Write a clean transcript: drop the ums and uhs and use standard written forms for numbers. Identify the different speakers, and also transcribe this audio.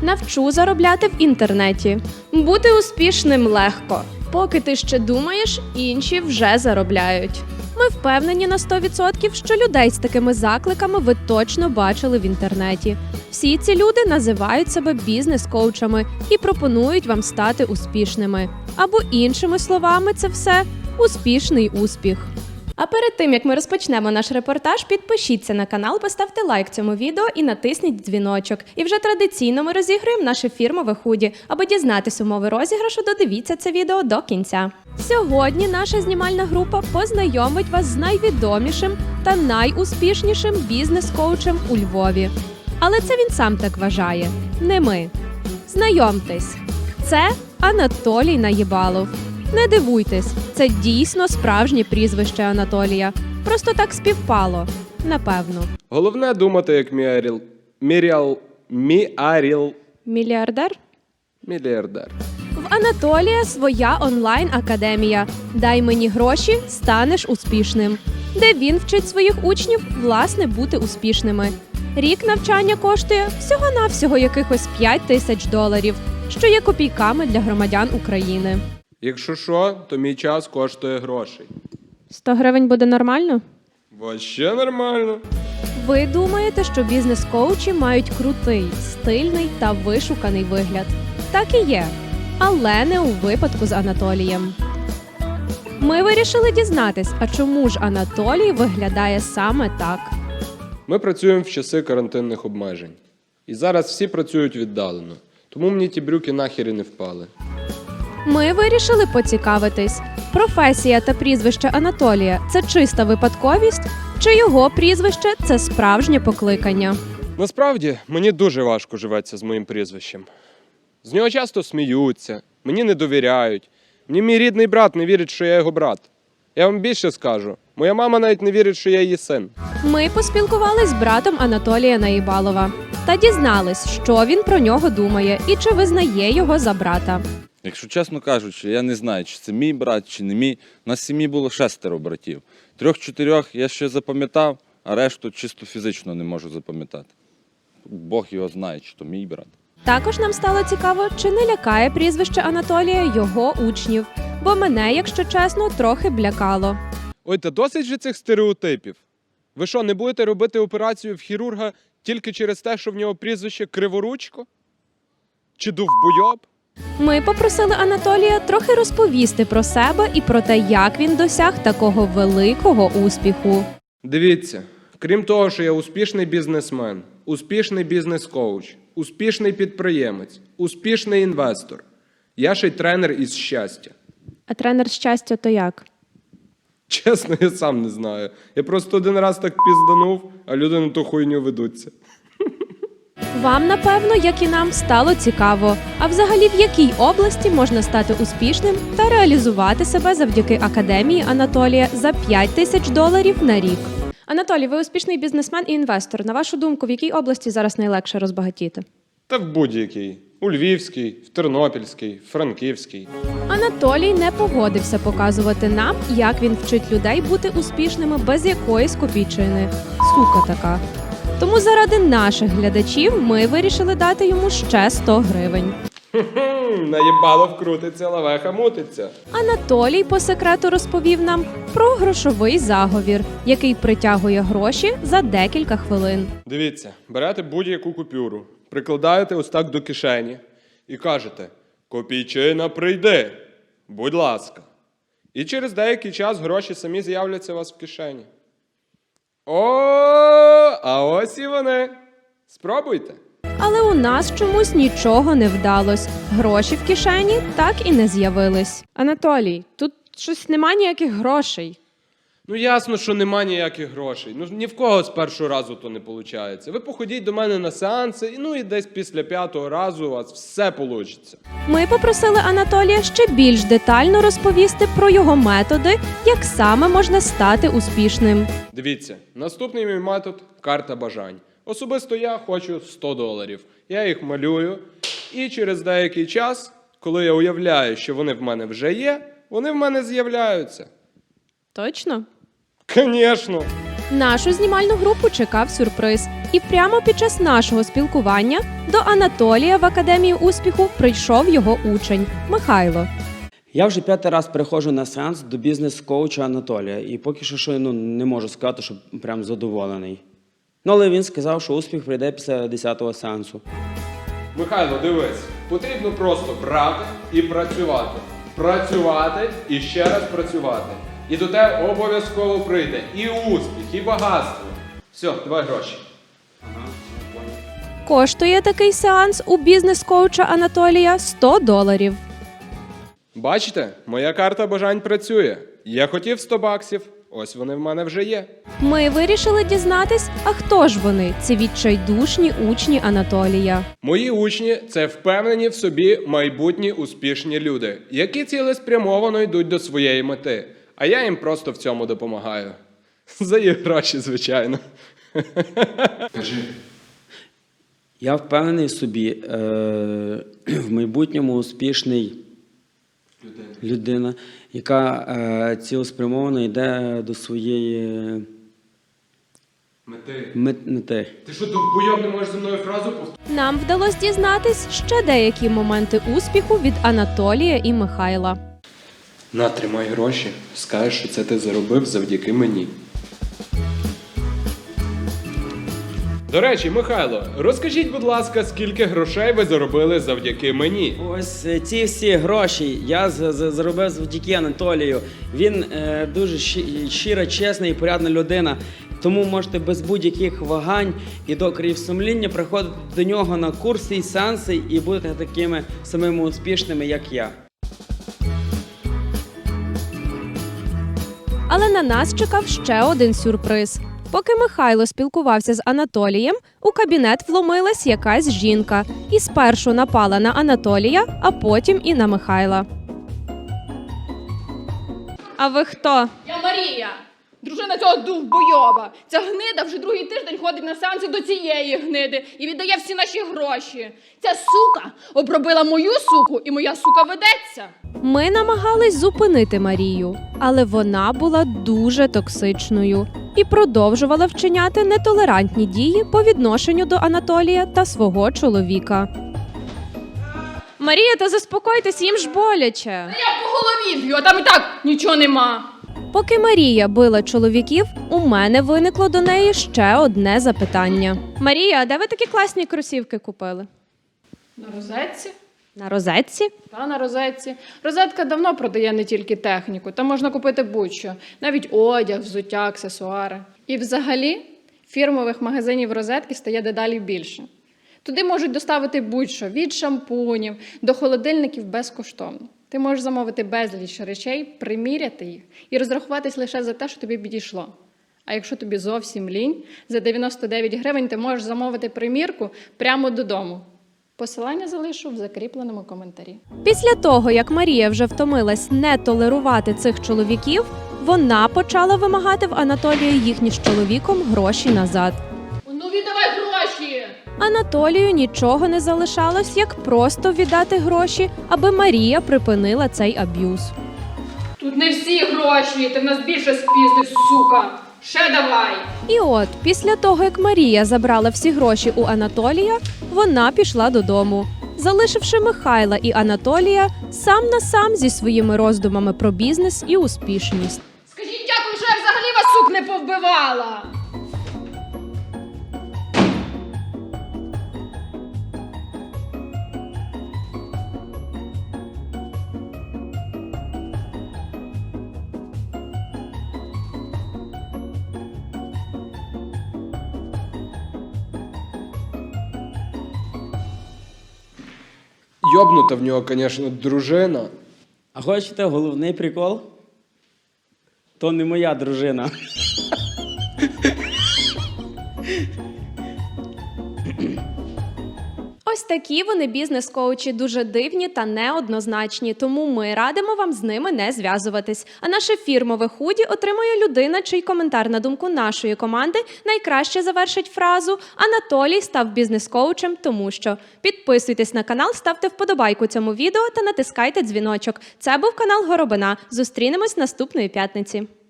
Speaker 1: Навчу заробляти в інтернеті. Бути успішним легко. Поки ти ще думаєш, інші вже заробляють. Ми впевнені на 100%, що людей з такими закликами ви точно бачили в інтернеті. Всі ці люди називають себе бізнес-коучами і пропонують вам стати успішними. Або іншими словами, це все – успішний успіх. А перед тим, як ми розпочнемо наш репортаж, підпишіться на канал, поставте лайк цьому відео і натисніть дзвіночок. І вже традиційно ми розіграємо наше фірмове худі. Аби дізнатись умови розіграшу, додивіться це відео до кінця. Сьогодні наша знімальна група познайомить вас з найвідомішим та найуспішнішим бізнес-коучем у Львові. Але це він сам так вважає, не ми. Знайомтесь, це Анатолій Наєбалов. Не дивуйтесь, це дійсно справжнє прізвище Анатолія. Просто так співпало. Напевно.
Speaker 2: Головне думати, як
Speaker 1: Мільярдер?
Speaker 2: мільярдер.
Speaker 1: В Анатолія своя онлайн-академія «Дай мені гроші, станеш успішним», де він вчить своїх учнів, власне, бути успішними. Рік навчання коштує всього-навсього якихось $5000, що є копійками для громадян України.
Speaker 2: Якщо що, то мій час коштує грошей.
Speaker 1: 100 гривень буде нормально?
Speaker 2: Вообще нормально.
Speaker 1: Ви думаєте, що бізнес-коучі мають крутий, стильний та вишуканий вигляд? Так і є. Але не у випадку з Анатолієм. Ми вирішили дізнатись, а чому ж Анатолій виглядає саме так?
Speaker 2: Ми працюємо в часи карантинних обмежень. І зараз всі працюють віддалено. Тому мені ті брюки нахер і не впали.
Speaker 1: Ми вирішили поцікавитись, професія та прізвище Анатолія – це чиста випадковість, чи його прізвище – це справжнє покликання?
Speaker 2: Насправді, мені дуже важко живеться з моїм прізвищем. З нього часто сміються, мені не довіряють. Мені мій рідний брат не вірить, що я його брат. Я вам більше скажу, моя мама навіть не вірить, що я її син.
Speaker 1: Ми поспілкувались з братом Анатолія Наєбалова та дізнались, що він про нього думає і чи визнає його за брата.
Speaker 3: Якщо чесно кажучи, я не знаю, чи це мій брат, чи не мій. У нас в сім'ї було 6 братів. 3-4 я ще запам'ятав, а решту чисто фізично не можу запам'ятати. Бог його знає, чи то мій брат.
Speaker 1: Також нам стало цікаво, чи не лякає прізвище Анатолія його учнів, бо мене, якщо чесно, трохи лякало.
Speaker 2: Ой, та досить же цих стереотипів. Ви що, не будете робити операцію в хірурга тільки через те, що в нього прізвище Криворучко? Чи Довбойоб?
Speaker 1: Ми попросили Анатолія трохи розповісти про себе і про те, як він досяг такого великого успіху.
Speaker 2: Дивіться, крім того, що я успішний бізнесмен, успішний бізнес-коуч, успішний підприємець, успішний інвестор, я ще й тренер із щастя.
Speaker 1: А тренер щастя то як?
Speaker 2: Чесно, я сам не знаю. Я просто один раз так пізданув, а люди на ту хуйню ведуться.
Speaker 1: Вам, напевно, як і нам, стало цікаво. А взагалі, в якій області можна стати успішним та реалізувати себе завдяки академії Анатолія за $5000 на рік? Анатолій, ви успішний бізнесмен і інвестор. На вашу думку, в якій області зараз найлегше розбагатіти?
Speaker 2: Та в будь-який. У Львівській, в Тернопільській, в Франківській.
Speaker 1: Анатолій не погодився показувати нам, як він вчить людей бути успішними без якоїсь копійчини. Сука така. Тому заради наших глядачів ми вирішили дати йому ще 100 гривень.
Speaker 2: Наєбало вкрутиться, лавеха мутиться.
Speaker 1: Анатолій по секрету розповів нам про грошовий заговір, який притягує гроші за декілька хвилин.
Speaker 2: Дивіться, берете будь-яку купюру, прикладаєте ось так до кишені і кажете: «Копійчина прийди, будь ласка». І через деякий час гроші самі з'являться у вас в кишені. О, а ось і вони. Спробуйте.
Speaker 1: Але у нас чомусь нічого не вдалось. Гроші в кишені так і не з'явились. Анатолій, тут щось нема ніяких грошей.
Speaker 2: Ну ясно, що нема ніяких грошей. Ну ні в кого з першого разу то не виходить. Ви походіть до мене на сеанси, і десь після 5-го разу у вас все вийде.
Speaker 1: Ми попросили Анатолія ще більш детально розповісти про його методи, як саме можна стати успішним.
Speaker 2: Дивіться, наступний мій метод – карта бажань. Особисто я хочу $100. Я їх малюю, і через деякий час, коли я уявляю, що вони в мене вже є, вони в мене з'являються.
Speaker 1: Точно?
Speaker 2: Звісно.
Speaker 1: Нашу знімальну групу чекав сюрприз. І прямо під час нашого спілкування до Анатолія в Академію успіху прийшов його учень Михайло.
Speaker 4: Я вже 5-й раз приходжу на сеанс до бізнес-коуча Анатолія. І поки що не можу сказати, що прям задоволений. Але він сказав, що успіх прийде після 10-го сеансу.
Speaker 2: Михайло, дивись, потрібно просто брати і працювати. Працювати і ще раз працювати. І до тебе обов'язково прийде і успіх, і багатство. Все, давай гроші.
Speaker 1: Коштує такий сеанс у бізнес-коуча Анатолія $100.
Speaker 2: Бачите, моя карта бажань працює. Я хотів 100 баксів, ось вони в мене вже є.
Speaker 1: Ми вирішили дізнатись, а хто ж вони, ці відчайдушні учні Анатолія.
Speaker 2: Мої учні – це впевнені в собі майбутні успішні люди, які цілеспрямовано йдуть до своєї мети. А я їм просто в цьому допомагаю. За їх гроші, звичайно. Кажи.
Speaker 4: Я впевнений в собі, в майбутньому успішний людина, яка цілеспрямовано йде до своєї мети.
Speaker 2: Ти що, довбойоб не можеш зі мною фразу повторити?
Speaker 1: Нам вдалося дізнатись ще деякі моменти успіху від Анатолія і Михайла.
Speaker 2: На, тримай гроші. Скажеш, що це ти заробив завдяки мені. До речі, Михайло, розкажіть, будь ласка, скільки грошей ви заробили завдяки мені?
Speaker 4: Ось ці всі гроші я заробив завдяки Анатолію. Він дуже щира, чесна і порядна людина. Тому можете без будь-яких вагань і докорів сумління приходити до нього на курси і сеанси і будете такими самими успішними, як я.
Speaker 1: Але на нас чекав ще один сюрприз. Поки Михайло спілкувався з Анатолієм, у кабінет вломилась якась жінка і спершу напала на Анатолія, а потім і на Михайла. А ви хто?
Speaker 5: Я Марія, дружина цього довбойоба. Ця гнида вже другий тиждень ходить на сеанси до цієї гниди і віддає всі наші гроші. Ця сука обробила мою суку, і моя сука ведеться.
Speaker 1: Ми намагались зупинити Марію, але вона була дуже токсичною і продовжувала вчиняти нетолерантні дії по відношенню до Анатолія та свого чоловіка. Марія, та заспокойтесь, їм ж боляче.
Speaker 5: Я по голові б'ю, а там і так нічого нема.
Speaker 1: Поки Марія била чоловіків, у мене виникло до неї ще одне запитання. Марія, а де ви такі класні кросівки купили?
Speaker 5: На розетці?
Speaker 1: На розетці?
Speaker 5: Та на розетці. Розетка давно продає не тільки техніку, там можна купити будь-що. Навіть одяг, взуття, аксесуари. І взагалі фірмових магазинів розетки стає дедалі більше. Туди можуть доставити будь-що, від шампунів до холодильників безкоштовно. Ти можеш замовити безліч речей, приміряти їх і розрахуватись лише за те, що тобі підійшло. А якщо тобі зовсім лінь, за 99 гривень ти можеш замовити примірку прямо додому. Посилання залишу в закріпленому коментарі.
Speaker 1: Після того, як Марія вже втомилась не толерувати цих чоловіків, вона почала вимагати в Анатолія їхні з чоловіком гроші назад.
Speaker 5: Ну віддавай гроші!
Speaker 1: Анатолію нічого не залишалось, як просто віддати гроші, аби Марія припинила цей аб'юз.
Speaker 5: Тут не всі гроші, ти в нас більше спіздив, сука! Ще давай!
Speaker 1: І от, після того, як Марія забрала всі гроші у Анатолія, вона пішла додому, залишивши Михайла і Анатолія сам на сам зі своїми роздумами про бізнес і успішність.
Speaker 5: Скажіть дякую, що я взагалі вас, сук, не повбивала!
Speaker 2: Йобнута в нього, звісно, дружина.
Speaker 4: А хочете головний прикол? То не моя дружина.
Speaker 1: Ось такі вони бізнес-коучі, дуже дивні та неоднозначні, тому ми радимо вам з ними не зв'язуватись. А наше фірмове худі отримує людина, чий коментар на думку нашої команди найкраще завершить фразу «Анатолій став бізнес-коучем, тому що». Підписуйтесь на канал, ставте вподобайку цьому відео та натискайте дзвіночок. Це був канал Горобина. Зустрінемось наступної п'ятниці.